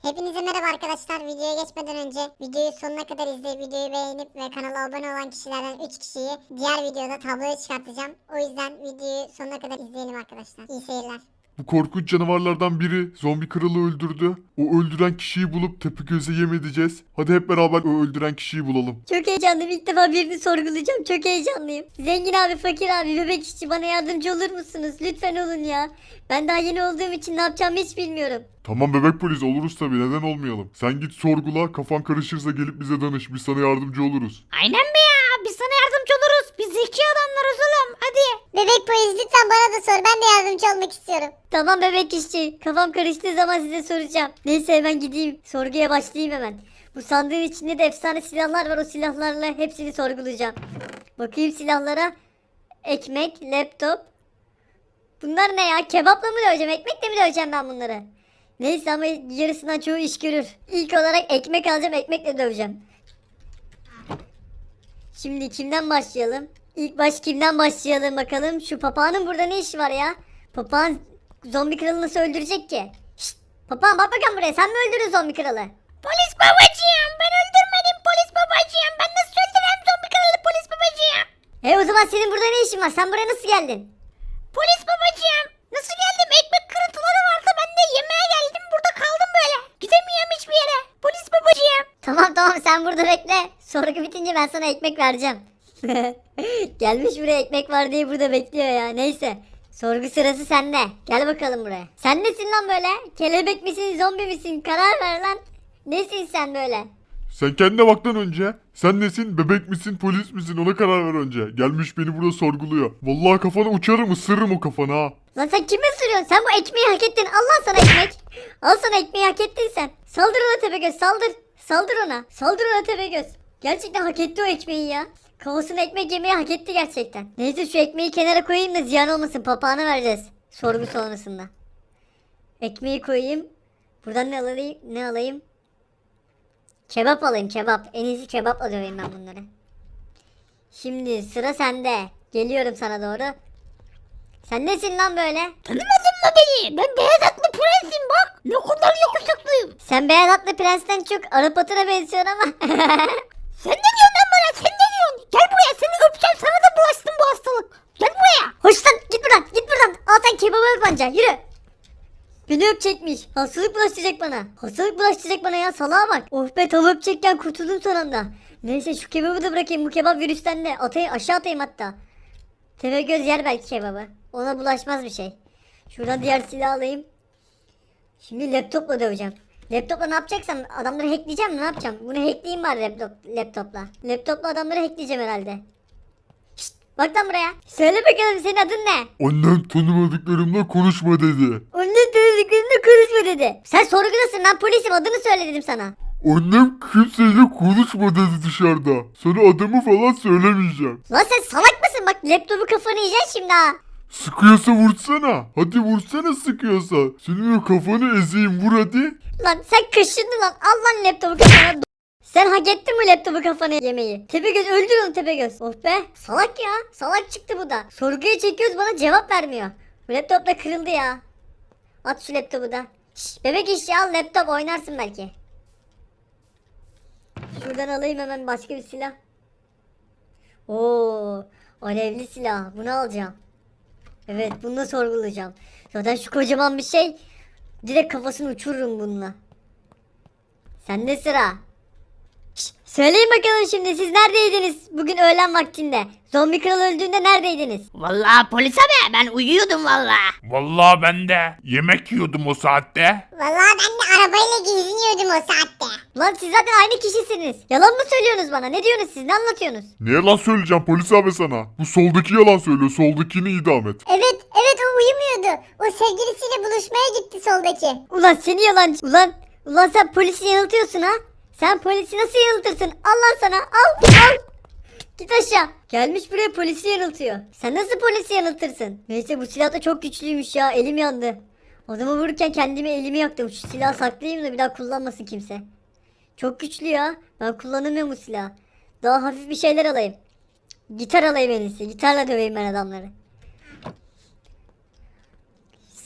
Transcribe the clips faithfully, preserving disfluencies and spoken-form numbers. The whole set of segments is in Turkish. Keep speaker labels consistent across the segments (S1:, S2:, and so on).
S1: Hepinize merhaba arkadaşlar. Videoya geçmeden önce videoyu sonuna kadar izleyip videoyu beğenip ve kanala abone olan kişilerden üç kişiyi diğer videoda tabloya çıkartacağım. O yüzden videoyu sonuna kadar izleyelim arkadaşlar. İyi seyirler.
S2: Bu korkunç canavarlardan biri zombi kralı öldürdü. O öldüren kişiyi bulup Tepegöz'e yem edeceğiz. Hadi hep beraber o öldüren kişiyi bulalım.
S3: Çok heyecanlıyım. İlk defa birini sorgulayacağım. Çok heyecanlıyım. Zengin abi, fakir abi, bebek işçi bana yardımcı olur musunuz? Lütfen olun ya. Ben daha yeni olduğum için ne yapacağımı hiç bilmiyorum.
S2: Tamam bebek polis, oluruz tabii, neden olmayalım. Sen git sorgula, kafan karışırsa gelip bize danış, biz sana yardımcı oluruz.
S4: Aynen be ya. Biz sana yardımcı oluruz. Biz zeki adamlarız oğlum. Hadi.
S1: Bebek polis lütfen bana da sor. Ben de yardımcı olmak istiyorum.
S3: Tamam bebek işçi. Kafam karıştığı zaman size soracağım. Neyse hemen gideyim. Sorguya başlayayım hemen. Bu sandığın içinde de efsane silahlar var. O silahlarla hepsini sorgulayacağım. Bakayım silahlara. Ekmek, laptop. Bunlar ne ya? Kebapla mı döveceğim? Ekmekle mi döveceğim ben bunları? Neyse ama yarısından çoğu iş görür. İlk olarak ekmek alacağım. Ekmekle döveceğim. Şimdi kimden başlayalım? İlk baş kimden başlayalım bakalım. Şu papağanın burada ne işi var ya? Papağan zombi kralı nasıl öldürecek ki? Şşt, papağan bak bakalım buraya. Sen mi öldürdün zombi kralı?
S4: Polis babacığım. Ben öldürmedim polis babacığım. Ben nasıl öldürürüm zombi kralı polis babacığım?
S3: E o zaman senin burada ne işin var? Sen buraya nasıl geldin?
S4: Polis babacığım. Nasıl geldim? Ekmek kırıntıları vardı. Ben de yemeğe geldim. Burada kaldım böyle. Gidemiyorum hiçbir yere. Polis babacığım.
S3: Tamam tamam sen burada bekle. Sorgu bitince ben sana ekmek vereceğim. Gelmiş buraya ekmek var diye burada bekliyor ya. Neyse. Sorgu sırası sende. Gel bakalım buraya. Sen nesin lan böyle? Kelebek misin, zombi misin? Karar ver lan. Nesin sen böyle?
S2: Sen kendine bak lan önce. Sen nesin, bebek misin, polis misin, ona karar ver önce. Gelmiş beni burada sorguluyor. Vallahi kafana uçarım, ısırırım o kafana ha.
S3: Lan sen kime sürüyorsun? Sen bu ekmeği hak ettin. Allah sana ekmek. Al sana ekmeği hak ettin sen. Saldır ona Tepegöz saldır. Saldır ona. Saldır ona Tepegöz. Gerçekten hak etti o ekmeği ya. Kafasına ekmek yemeyi hak etti gerçekten. Neyse şu ekmeği kenara koyayım da ziyan olmasın. Papağana vereceğiz. Sorgu sonrasında. Ekmeği koyayım. Buradan ne alayım? Ne alayım? Kebap alayım kebap. En iyisi kebapla döveyim ben bunları. Şimdi sıra sende. Geliyorum sana doğru. Sen nesin lan böyle?
S4: Tanımadın mı beni? Ben beyaz atlı prensim bak. Ne kadar yakışıklıyım.
S3: Sen beyaz atlı prensten çok Arap atına benziyorsun ama.
S4: Sen ne diyorsun lan bana? Sen ne diyorsun? Gel buraya seni öpeceğim. Sana da bulaştım bu hastalık. Gel buraya.
S3: Hoş lan git buradan git buradan. Al sen kebabı öp anca yürü. Beni öpecekmiş. Hastalık bulaştıracak bana. Hastalık bulaştıracak bana ya salağa bak. Oh be tam öpecekken kurtuldum son anda. Neyse şu kebabı da bırakayım. Bu kebap virüsten de atayım, aşağı atayım hatta. Tepegöz yer belki kebabı. Ona bulaşmaz bir şey. Şuradan diğer silahı alayım. Şimdi laptopla döveceğim. Laptopla ne yapacaksam adamları hackleyeceğim mi ne yapacağım? Bunu hackleyeyim bari laptop, laptopla. Laptopla adamları hackleyeceğim herhalde. Şşt, bak lan buraya. Söyle bakalım senin adın ne?
S2: Annem tanımadıklarımla konuşma dedi.
S3: Anne dediklerimle konuşma dedi. Sen sorgudasın ben polisim adını söyle dedim sana.
S2: Annem kimseyle konuşma dedi dışarıda. Sana adımı falan söylemeyeceğim.
S3: Lan sen salak mısın bak laptopu kafanı yiyeceksin şimdi ha.
S2: Sıkıyorsa vursana. Hadi vursana sıkıyorsa. Senin o kafanı ezeyim, vur hadi.
S3: Lan sen kaşındın lan al lan laptopu kafana. Sen hak ettin mi laptopu kafana yemeği? Tepegöz öldür onu Tepegöz. Oh be salak ya salak çıktı bu da. Sorguya çekiyoruz bana cevap vermiyor. Bu laptop da kırıldı ya. At şu laptopu da. Şş, bebek işi al laptop oynarsın belki. Şuradan alayım hemen başka bir silah. Oo, alevli silah. Bunu alacağım. Evet, bunu da sorgulayacağım. Zaten şu kocaman bir şey. Direkt kafasını uçururum bununla. Sende sıra. Şş, söyleyin bakalım şimdi siz neredeydiniz bugün öğlen vaktinde? Zombi kral öldüğünde neredeydiniz?
S4: Vallahi polis abi ben uyuyordum vallahi.
S5: Vallahi ben de yemek yiyordum o saatte.
S1: Vallahi ben de arabayla geziniyordum o saatte.
S3: Lan siz zaten aynı kişisiniz. Yalan mı söylüyorsunuz bana? Ne diyorsunuz siz? Ne anlatıyorsunuz?
S2: Ne yalan söyleyeceğim polis abi sana? Bu soldaki yalan söylüyor, soldakini idam et.
S1: Evet evet o uyumuyordu. O sevgilisiyle buluşmaya gitti soldaki.
S3: Ulan seni yalancı. Ulan, ulan sen polisi yanıltıyorsun ha? Sen polisi nasıl yanıltırsın? Allah sana al al. Git aşağı. Gelmiş buraya polisi yanıltıyor. Sen nasıl polisi yanıltırsın? Neyse bu silah da çok güçlüymüş ya. Elim yandı. Adamı vururken kendimi elimi yaktım. Şu silahı saklayayım da bir daha kullanmasın kimse. Çok güçlü ya. Ben kullanamıyorum bu silahı. Daha hafif bir şeyler alayım. Gitar alayım en iyisi. Gitarla döveyim ben adamları.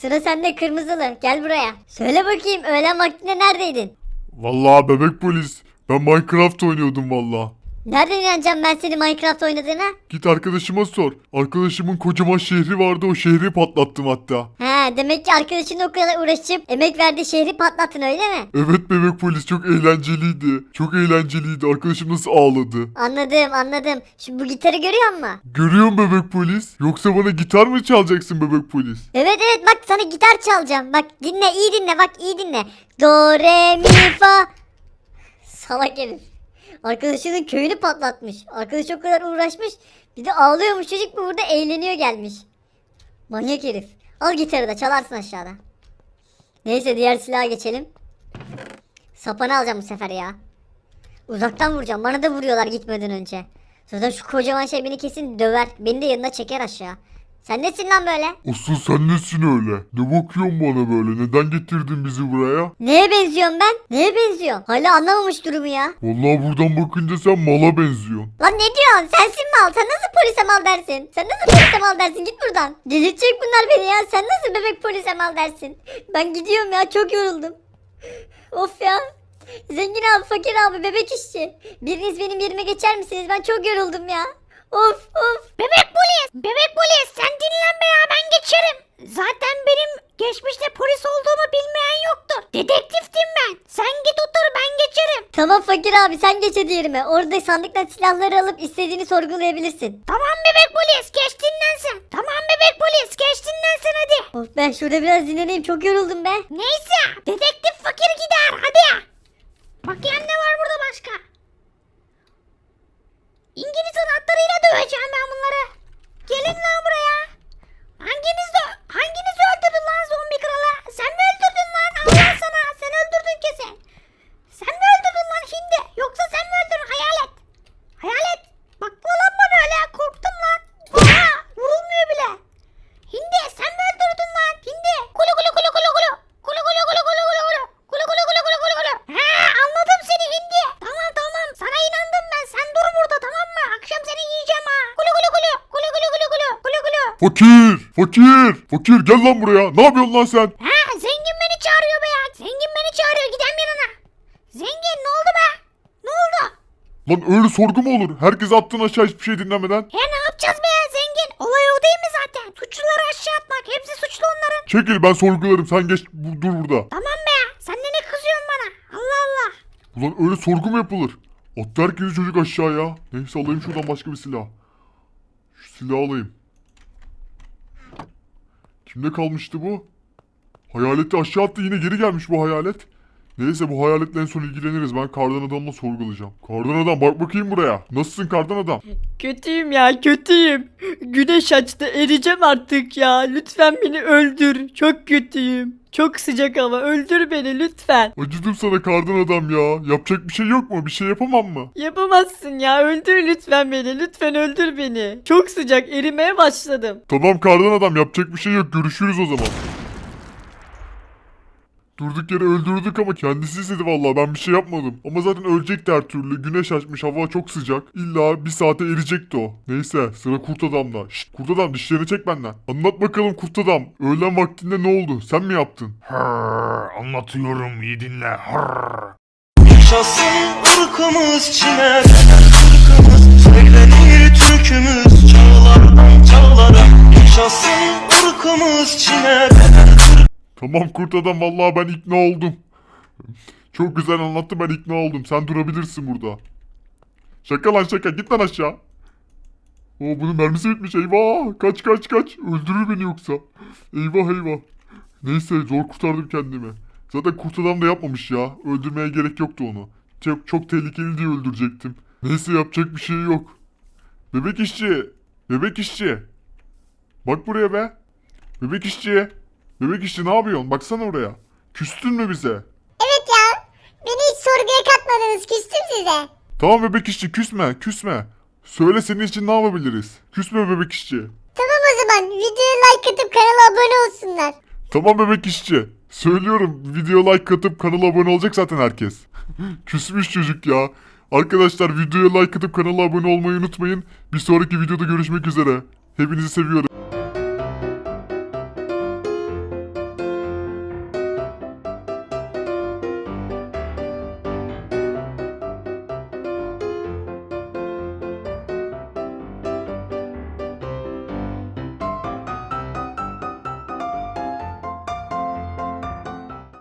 S3: Sıra sende kırmızılı. Gel buraya. Söyle bakayım öğlen vaktinde neredeydin?
S2: Vallahi bebek polis. Ben Minecraft oynuyordum vallahi.
S3: Nereden inanacağım ben senin Minecraft oynadığına?
S2: Git arkadaşıma sor. Arkadaşımın kocaman şehri vardı, o şehri patlattım hatta.
S3: He demek ki arkadaşınla o kadar uğraşıp emek verdiği şehri patlattın öyle mi?
S2: Evet bebek polis, çok eğlenceliydi. Çok eğlenceliydi. Arkadaşım nasıl ağladı.
S3: Anladım anladım. Şu bu gitarı görüyor musun?
S2: Görüyorum bebek polis. Yoksa bana gitar mı çalacaksın bebek polis?
S3: Evet evet bak sana gitar çalacağım. Bak dinle iyi dinle bak iyi dinle. Do re mi fa. Salak herif. Arkadaşının köyünü patlatmış. Arkadaş o kadar uğraşmış. Bir de ağlıyormuş çocuk bu burada eğleniyor gelmiş. Manyak herif. Al gitarı da çalarsın aşağıda. Neyse diğer silaha geçelim. Sapanı alacağım bu sefer ya. Uzaktan vuracağım. Bana da vuruyorlar gitmeden önce. Zaten şu kocaman şey beni kesin döver. Beni de yanına çeker aşağı. Sen nesin lan böyle?
S2: Asıl sen nesin öyle? Ne bakıyorsun bana böyle? Neden getirdin bizi buraya?
S3: Neye benziyorum ben? Neye benziyorum? Hala anlamamış durumu ya.
S2: Vallahi buradan bakınca sen mala benziyorsun.
S3: Lan ne diyorsun? Sensin mal. Sen nasıl polise mal dersin? Sen nasıl polise mal dersin? Git buradan. Delirtecek bunlar beni ya. Sen nasıl bebek polise mal dersin? Ben gidiyorum ya. Çok yoruldum. Of ya. Zengin abi, fakir abi, bebek işçi. Biriniz benim yerime geçer misiniz? Ben çok yoruldum ya. Of of.
S4: Bebek polis, bebek polis sen dinlen be ya ben geçerim. Zaten benim geçmişte polis olduğumu bilmeyen yoktur. Dedektiftim ben. Sen git otur ben geçerim.
S3: Tamam fakir abi sen geç hadi yerime. Orada sandıktan silahları alıp istediğini sorgulayabilirsin.
S4: Tamam bebek polis geç dinlen sen. Tamam bebek polis geç dinlen sen hadi.
S3: Of ben şurada biraz dinleneyim. Çok yoruldum be.
S4: Neyse dedektif fakir gider hadi. Bakayım ne var burada başka. İngiliz anahtarıyla döveceğim ben bunları. Gelin lan buraya. Hanginiz de hanginiz öldürdü lan zombi kralı? Sen mi öldürdün lan? Allah sana. Sen öldürdün kesin. Sen mi öldürdün lan hindi? Yoksa sen mi öldürdün hayalet? Hayalet. Bakma lan bana öyle. Korktum lan. Aa, vurulmuyor bile. Hindi sen mi öldürdün lan? Hindi. Kulu kulu kulu kulu kulu. Kulu kulu kulu kulu kulu kulu. Kulu kulu kulu kulu kulu kulu. He anladım seni hindi. Tamam tamam sana inandım ben. Sen dur burada tamam mı? Akşam seni yiyeceğim ha. Kulu kulu kulu. Kulu kulu kulu kulu. Kulu kulu.
S2: Fakir! Fakir! Fakir gel lan buraya. Ne yapıyorsun lan sen?
S4: Ha zengin beni çağırıyor be ya. Zengin beni çağırıyor gidem yanına. Zengin ne oldu be? Ne oldu?
S2: Lan öyle sorgu mu olur? Herkes attığın aşağı hiçbir şey dinlemeden.
S4: He ne yapacağız be ya zengin? Olay o değil mi zaten? Suçluları aşağı atmak. Hepsi suçlu onların.
S2: Çekil ben sorgularım. Sen geç bu- dur burada.
S4: Tamam be ya. Sen de ne kızıyorsun bana? Allah Allah.
S2: Ulan öyle sorgu mu yapılır? Attı herkesi çocuk aşağıya. Neyse alayım şuradan başka bir silah. Şu silahı alayım. Kimde kalmıştı bu? Hayaleti aşağı attı, yine geri gelmiş bu hayalet. Neyse bu hayaletle en son ilgileniriz. Ben kardan adamla sorgulayacağım. Kardan adam bak bakayım buraya. Nasılsın kardan adam?
S6: Kötüyüm ya kötüyüm. Güneş açtı eriyeceğim artık ya. Lütfen beni öldür. Çok kötüyüm. Çok sıcak hava öldür beni lütfen.
S2: Acıdım sana kardan adam ya. Yapacak bir şey yok mu? Bir şey yapamam mı?
S6: Yapamazsın ya öldür lütfen beni. Lütfen öldür beni. Çok sıcak erimeye başladım.
S2: Tamam kardan adam, yapacak bir şey yok. Görüşürüz o zaman. Durduk yere öldürdük ama kendisi istedi vallahi, ben bir şey yapmadım. Ama zaten ölecekti her türlü. Güneş açmış, hava çok sıcak. İlla bir saate eriyecekti o. Neyse sıra kurt adamda. Şşt kurt adam, dişlerini çek benden. Anlat bakalım kurt adam. Öğlen vaktinde ne oldu? Sen mi yaptın?
S5: Hırr, anlatıyorum iyi dinle. Hırr.
S7: Yaşasın ırkımız çiner, ırkımız söylenir türkümüz çağlardan çağlara. Yaşasın ırkımız çiner.
S2: Tamam kurt adam, vallahi ben ikna oldum. Çok güzel anlattı, ben ikna oldum. Sen durabilirsin burada. Şaka lan şaka, git lan aşağı. Oo bunun mermisi bitmiş, eyvah. Kaç kaç kaç, öldürür beni yoksa. Eyvah eyvah. Neyse zor kurtardım kendimi. Zaten kurt adam da yapmamış ya. Öldürmeye gerek yoktu onu. Çok, çok tehlikeli diye öldürecektim. Neyse yapacak bir şey yok. Bebek işçi. Bebek işçi. Bak buraya be. Bebek işçi. Bebek işçi ne yapıyorsun? Baksana oraya. Küstün mü bize?
S1: Evet ya. Beni hiç sorguya katmadınız. Küstüm size.
S2: Tamam bebek işçi, küsme küsme. Söyle senin için ne yapabiliriz? Küsme bebek işçi.
S1: Tamam o zaman. Videoya like atıp kanala abone olsunlar.
S2: Tamam bebek işçi. Söylüyorum, video like atıp kanala abone olacak zaten herkes. Küsmüş çocuk ya. Arkadaşlar videoya like atıp kanala abone olmayı unutmayın. Bir sonraki videoda görüşmek üzere. Hepinizi seviyorum.